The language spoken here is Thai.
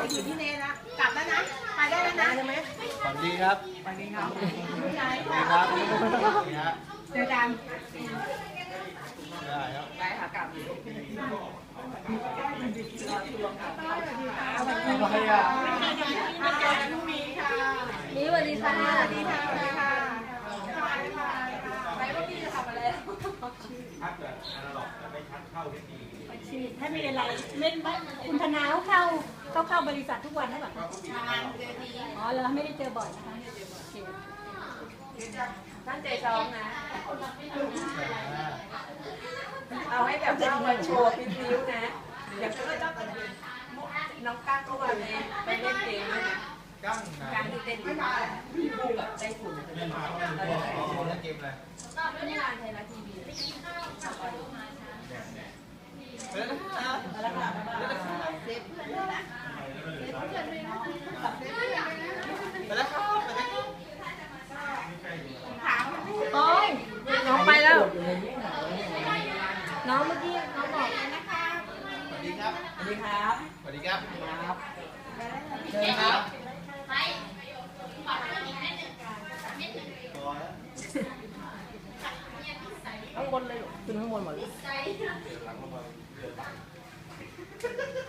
อยู่ที่เนนะกลับแล้วนะไปได้แล้วนะใช่ไหมฝันดีครับไปดีครับดีครับนี่ฮะเจอกันได้ครับไปค่ะกลับอะไรอ่ะลูกมีค่ะนี่สวัสดีค่ะสวัสดีค่ะสวัสดีค่ะไปก็พี่จะทำอะไรถ้ามีอะไรเล่นบ้านคุณธนาเข้าบริษัททุกวันนะแบบอ๋อเราไม่ได้เจอบ่อยนะคะตั้งใจซ้อมนะเอาให้แบบว่ามาโชว์พิ้วๆนะเดี๋ยวก็ต้องน้องก้างก็วันนี้ไปเล่นเกมด้วยนะกั้งนะการที่เต้นที่บ้านพี่บูกับไต้ฝุ่นเล่นเกมอะไรก็นี่งานไทยรัฐทีวีแล้วก็เซฟเพื่อนด้วยนะเซฟเพื่อนด้วยนะเซฟเพื่อนด้วยนะไปแล้วครับถามโอ้ยน้องไปแล้ว น้องเมื่อกี้น้องบอกนะคะสวัสดีครับสวัสดีครับสวัสดีครับเชิญครับข้างบนเลยขึ้นข้างบนหมดเลยเ